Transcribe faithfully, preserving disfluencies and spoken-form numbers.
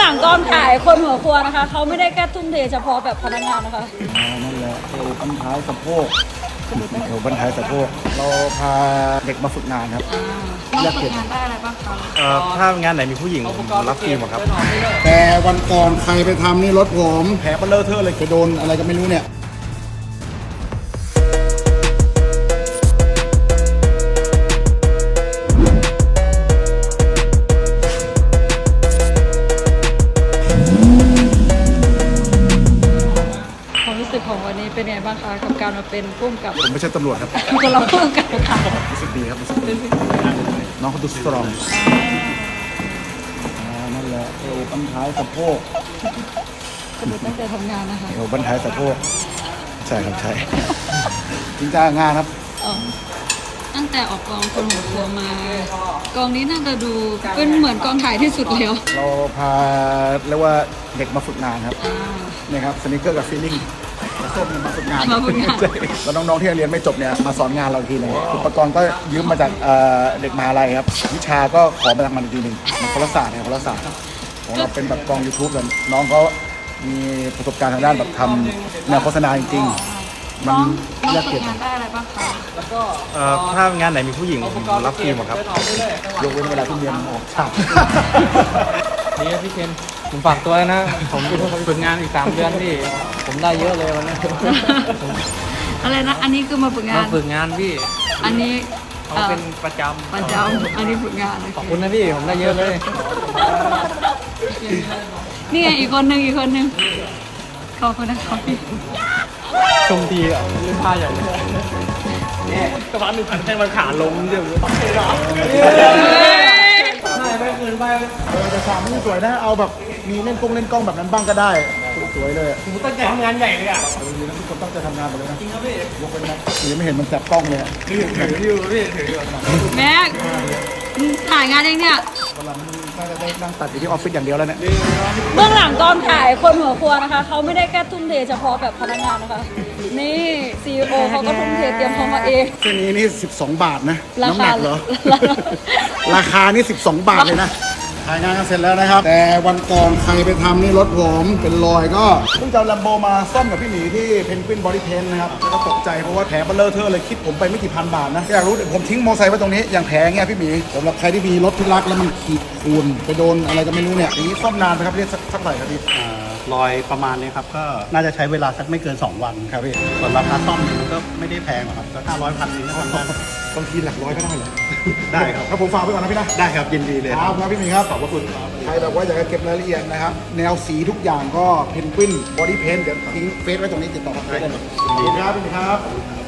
ลังกองถ่ายคนหัวครัวนะคะเขาไม่ได้แค่ทุ่มเทเฉพาะแบบพนักงานนะคะอ๋อนั่นแหละเอวบั้นท้ายสะโพกเอวบั้นท้ายสะโพกเราพาเด็กมาฝึกงานครับเลือกฝึกงานได้อะไรบ้างคะเอ่อถ้างานไหนมีผู้หญิงผมรับฟรีหมดครับแต่วันก่อนใครไปทำนี่รถผมแผลเบลเลอร์เทอร์เลยไปโดนอะไรก็ไม่รู้เนี่ยของวันนี้เป็นไงบ้างคะกับการมาเป็นผู้กำกับผมไม่ใช่ตำรวจครับคนเราผู้กำกับค่ะรู้สึกดีครับรู้สึกดีน้องเขาดูสตรองนั่นแหละเอวบั้นท้ายสะโพกกระดูกตั้งใจทำงานนะคะเอวบั้นท้ายสะโพกใช่ครับใช่จริงจังงานครับตั้งแต่ออกกองคนหัวครัวมากองนี้น่าจะดูเป็นเหมือนกองถ่ายที่สุดแล้วเราพาเรียกว่าเด็กมาฝึกงานครับนี่ครับสนิเกอร์กับฟีลลิ่งส้มมาฝึกงานแล้วน้องๆที่เรียนไม่จบเนี่ยมาสอนงานเราทีนึงอุปกรณ์ก็ยืมมาจากเด็กมหาลัยครับวิชาก็ขอมาจากมันทีนึงมันคนละศาสตร์เนี่ยคนละศาสตร์ของเราเป็นแบบกอง ยูทูบ กันน้องเขามีประสบการณ์ทางด้านแบบทำแนวโฆษณาจริงๆมันเลือกฝึกงานได้อะไรบ้างคะเอ่อถ้างานไหนมีผู้หญิงผมรับฟรีหมดครับยกเว้นเวลาที่เรียนออกฉากนี่พี่เคนผมฝากตัวนะผมฝึกงานอีกสามเดือนพี่ผมได้เยอะเลยวันนี้อะไรนะอันนี้คือมาฝึกงานมาฝึกงานพี่อันนี้เขาเป็นประจำประจำอันนี้ฝึกงานขอบคุณนะพี่ผมได้เยอะเลยนี่ไงอีกคนนึงอีกคนนึงขอบคุณนะครับพี่ชมดีอ่ะเล่นท่าใหญ่เลยนี่กระเพาะหนึ่งพันให้มันขาลงเดี๋ยวไม่ไม่เกินไปเออแต่ฉากไม่สวยนะเอาแบบมีเล่นกล้องเล่นกล้องแบบนั้นบ้างก็ได้สวยเลยผมตั้งใจทำงานใหญ่เลยอ่ะทุกคนตั้งใจทำงานหมดเลยนะจริงครับพี่ยกเป็นนะยังไม่เห็นมันจับกล้องเลยถือถืออยู่พี่ถืออยู่แม็กถ่ายงานเองเนี่ยวันหลังน่าจะได้นั่งตัดอยู่ที่ออฟฟิศอย่างเดียวแล้วเนี่ยเบื้องหลังกองถ่ายคนหัวครัวนะคะเขาไม่ได้แค่ทุ่มเทเฉพาะแบบพนักงานนะคะนี่ซีอีโอเขาก็ทุ่มเทเตรียมพร้อมมาเองเส้นนี้นี่สิบสองบาทนะน้ำหนักเหรอราคานี่สิบสองบาทเลยนะถ่ายงานกันเสร็จแล้วนะครับแต่วันก่อนใครไปทำนี่รถผมเป็นรอยก็เพิ่งจะลัมโบมาซ่อมกับพี่หมีที่เพนกวินบอดี้เพนนะครับแล้วก็ตกใจเพราะว่าแผลเบลเลอร์เทอร์เลยคิดผมไปไม่กี่พันบาทนะอยากรู้ผมทิ้งมอเตอร์ไซค์ไว้ตรงนี้อย่างแผลเงี้ยพี่หมีสำหรับใครที่มีรถที่รักแล้วมันขีดข่วนไปโดนอะไรก็ไม่รู้เนี่ยอย่างนี้ซ่อมนานไหมครับเรียกสักสักเท่าไหร่ครับพี่รอยประมาณนี้ครับก็น่าจะใช้เวลาสักไม่เกินสองวันครับพี่ส่วนราคาซ่อมมันก็ไม่ได้แพงหรอกครับก็ห้าร้อยพันนึงก็ทำได้บางทีหลักร้อยก็ได้เหรอได้ครับถ้าผมฝากไว้ก่อนนะพี่นะได้ครับยินดีเลยครับครับพี่หมีครับขอบพระคุณใครแบบว่าอยากจะเก็บรายละเอียดนะครับแนวสีทุกอย่างก็เพนกวินบอดี้เพนเดี๋ยวทิ้งเฟซไว้ตรงนี้ติดต่อได้เลยขอบคุณครับพี่หมีครับ